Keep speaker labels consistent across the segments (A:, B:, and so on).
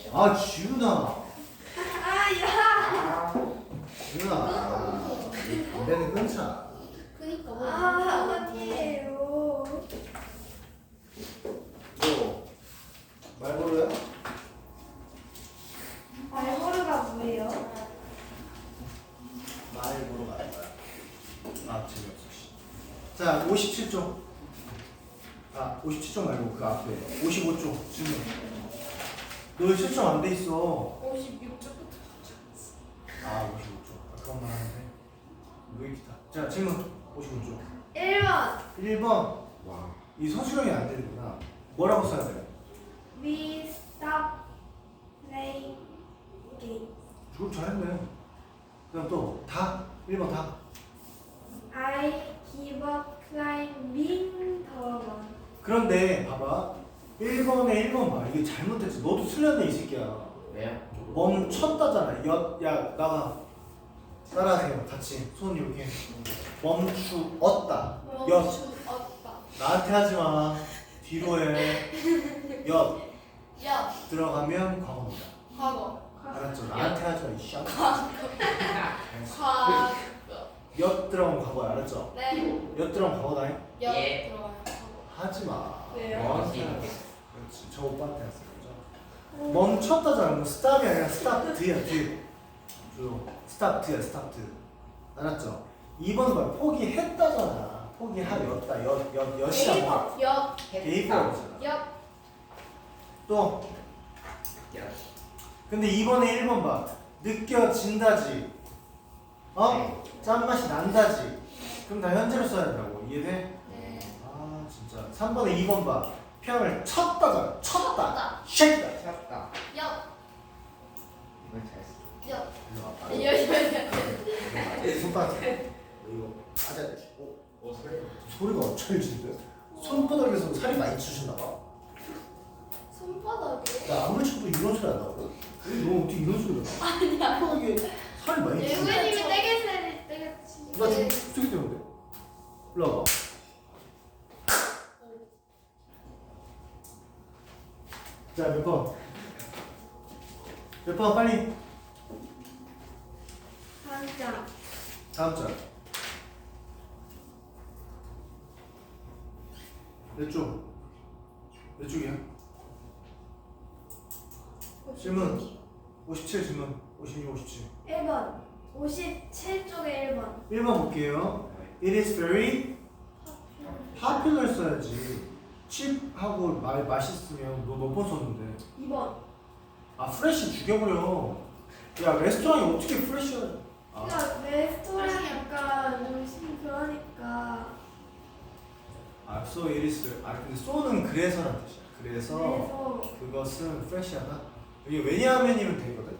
A: 아 지훈아.
B: 야.
A: 지훈아. 담배는 끊자.
B: 그니까
C: 아니에요.
A: 너 말벌어야?
C: 말보르가 뭐예요?
A: 말보러 갈 거야. 아 재미없어. 씨. 자 57쪽. 아 57쪽 말고 그 앞에 55쪽 질문. 너 왜 채점 안 돼 있어?
B: 56쪽부터
A: 아 55쪽. 아까만 하는데. 왜 기타? 자 질문 55쪽.
C: 1번
A: 1번. 와. 이 서술형이 안 되는구나. 뭐라고 써야 돼?
C: We stop playing game.
A: 그걸 잘했네. 그다음 또 다. 1번 다.
C: I give up climbing the wall.
A: 그런데 봐봐. 1번에 1번 봐. 이게 잘못했지. 너도 틀렸네 이 새끼야.
D: 왜요?
A: 멈췄다잖아. 야 나가. 따라하세요. 같이 손 이렇게. 멈추었다. 엿.
B: 멈추었다.
A: 나한테 하지 마. 뒤로 해. 엿.
B: 야.
A: 들어가면 과거입니다.
B: 과거.
A: 알았죠? 나한테 하지 마. 이 쌍.
B: 과거.
A: 엿 들어가면 과거야. 알았죠?
B: 네.
A: 엿 들어가면 과거다.
B: 여
D: 예.
B: 들어가요. 과거.
A: 하지 마.
B: 왜요?
A: 너한테 하지 마. 그렇지. 저 오빠한테 했어. 그죠? 멈췄다잖아. 뭐 스탑이 아니라 스탑드야. 드. 스탑드야. 스탑드. 알았죠? 2번 봐. 포기했다잖아. 포기하였다. 엿이야.
B: 여.
A: 게이브라고 했잖아.
B: 여.
A: 또
D: 야.
A: 근데 2번에 1번 봐. 느껴진다지. 어? 짠맛이 난다지. 그럼 다 현재로 써야 된다고. 이해돼?
B: 네.
A: 아 진짜. 3번에 2번 봐. 편을 쳤다잖아. 쳤다.
B: 쳤다.
A: 쉐이다.
D: 쳤다.
B: 여.
D: 이건 잘했어.
B: 여.
A: 일로 와봐.
B: 여.
A: 손바닥. 이거 맞아야 돼.
D: 오 소리.
A: 소리가 엄청 지는데? 손바닥에서 살이 많이 쑤셨나 봐.
B: 손바닥에.
A: 나 아무리 쳐도 이런 소리 안 나거든? 너 어떻게 이런 소리가 나?
B: 아니야.
A: 손바닥에 살이 많이 쑤셨나?
B: 예구님이 떼게 떼게
A: 나 지금 저기 때문에. 일로 와봐. 자, 몇 번? 몇 번 빨리.
C: 한장
A: 다음 장. 몇 쪽? 몇 쪽이야? 질문. 57 질문. 56, 57.
C: 1번 57쪽에 1번
A: 1번 볼게요. It is very popular 써야지. cheap하고 맛있으면 너 몇 번 썼는데?
C: 2번.
A: 아 프레쉬 죽여버려. 야 레스토랑이 어떻게 프레쉬야? 아,
C: 그러니까 레스토랑 약간 음식 그러니까
A: so it is. 아 근데 so는 그래서란 뜻이야. 그래서 그것은 프레쉬하다. 이게 왜냐하면이면 되거든.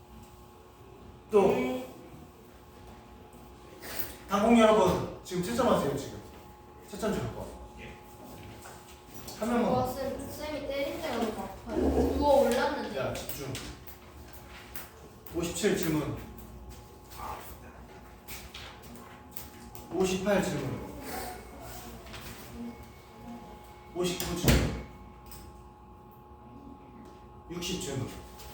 A: 또
C: 네.
A: 당공 여러분 지금 채점하세요 지금. 채점 줄 거. 한 명만.
B: 쌤이 때린 데가 너무 아파요. 누워 올랐는데.
A: 야 집중. 57 질문. 58 질문. 59 질문. 60 질문.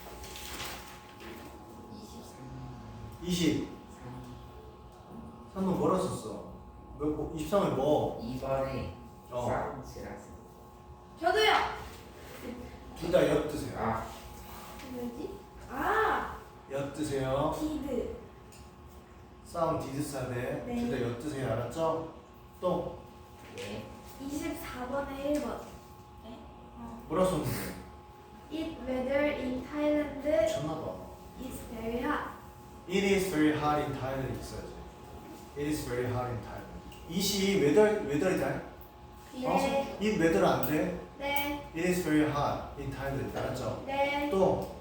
A: 20. 3번 뭐라 썼어? 23에 뭐?
D: 2번에 사운드라서.
C: 저도요.
A: 둘 다 엿드세요.
D: 아.
C: 뭐지? 아
A: 엿드세요.
C: 디드.
A: 싸움 디드 싸대.
C: 네.
A: 둘 다 엿드세요. 알았죠? 또
D: 예.
C: 24번에 1번.
A: 뭐라 썼는데?
C: It weather in Thailand
A: 미쳤나봐.
C: is very hot.
A: It is very hot in Thailand 있어야지. It is very hot in Thailand. 이시 웨더이다.
C: 네.
A: 이 웨더는 안 돼.
C: 네.
A: It is very hot in Thailand. 알았죠?
C: 네.
A: 또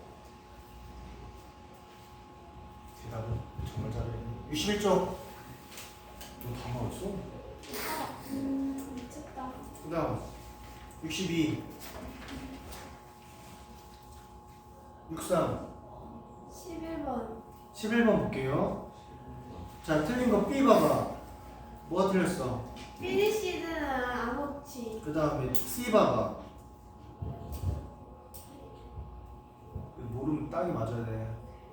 A: 대답은 정말 잘해. 61쪽. 너다 나왔어?
C: 미쳤다.
A: 그다음 62. 63.
C: 11번.
A: 11번 볼게요. 자, 틀린 거 B 봐봐. 뭐가 틀렸어?
C: 피니시드는 암호치.
A: 그 다음에 C 봐봐. 딱이 맞아야 돼.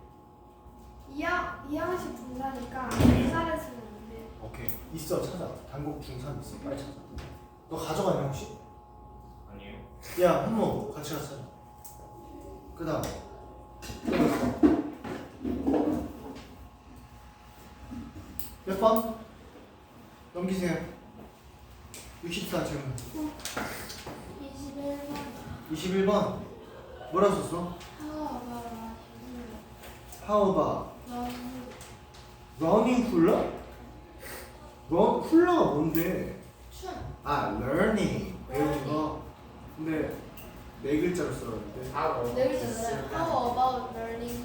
C: 2항씩 분다니까 분사를 쓰면 안 돼.
A: 오케이. 있어, 찾아. 단국 중산 있어. 빨리 찾아. 너 가져가냐 혹시?
D: 아니요.
A: 야, 한모 같이 가서 찾아. 그다음. 몇 번? 넘기세요. 64 질문.
C: 21번.
A: 21번. 뭐라 썼어? How about running 훌러? 훌러가 뭔데?
B: 춤.
A: 아, learning. 배우는 거. 근데 네 글자로 써는데.
D: 하고
B: 네 글자잖아요. How about learning?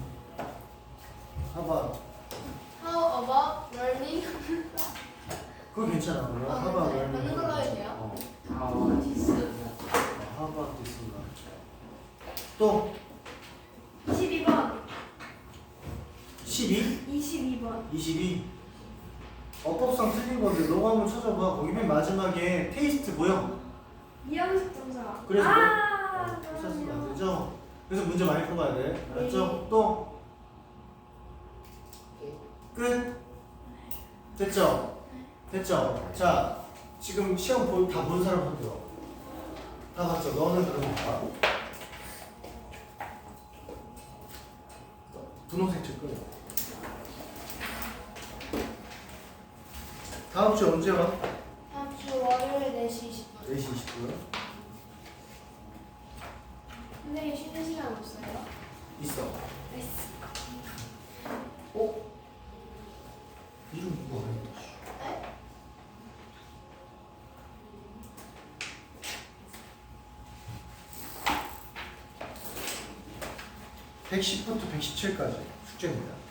A: How about?
B: How about learning?
A: 그거 괜찮아. 그럼
B: 아,
A: How about
B: 네.
A: learning?
B: 맞는 걸로 해도 돼요?
A: 어.
D: 하고 디스
A: How about this one? 또
C: 22번.
A: 12?
C: 22번.
A: 22? 어법상 틀린 건데 너가 한번 찾아봐. 거기 맨 마지막에 테이스트 보여?
C: 2항식 분사.
A: 그래서
C: 아,
A: 찾으면 안
C: 그럼요.
A: 되죠? 그래서 문제 많이 풀어봐야 돼. 알았죠? 또 끝? 됐죠? 됐죠? 자, 지금 시험 다 본 사람 손 들어. 다 봤죠? 너는 그럼 봐. 분홍색 책 끊어. 다음 주 언제 와?
B: 다음 주 월요일 4시 20분.
A: 4시 20분.
B: 선생님 쉬는 시간 없어요?
A: 있어.
B: 네.
A: 어? 이름 누구 알아?
B: 네?
A: 네? 110부터 117까지 숙제입니다.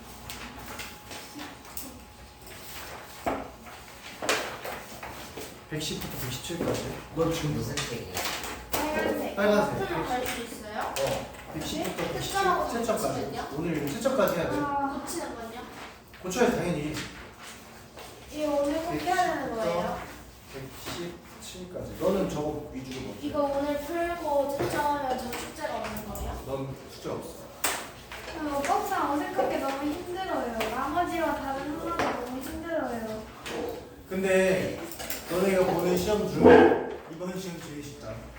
A: 110부터 117까지. 너 지금
D: 무슨 책이야?
B: 빨간색.
A: 빨간색.
B: 버튼을 갈수 있어요?
A: 110부터
B: 색깔하고
A: 117, 채점까지.
B: 고치면요?
A: 오늘 채점까지 해야 돼.
C: 아,
B: 고치는 건요?
A: 고쳐야 돼, 당연히.
B: 이게 오늘 꼭 해야 되는 거예요?
A: 117까지. 너는 저거 위주로 뭐?
B: 이거 오늘 풀고 채점하면 저 숙제가 없는 거예요?
A: 넌 숙제 없어.
C: 어법상 어색하게 너무 힘들어요. 나머지와 다른 하나가 너무 힘들어요.
A: 근데 너네가 보는 시험 중 이번 시험 제일 쉽다.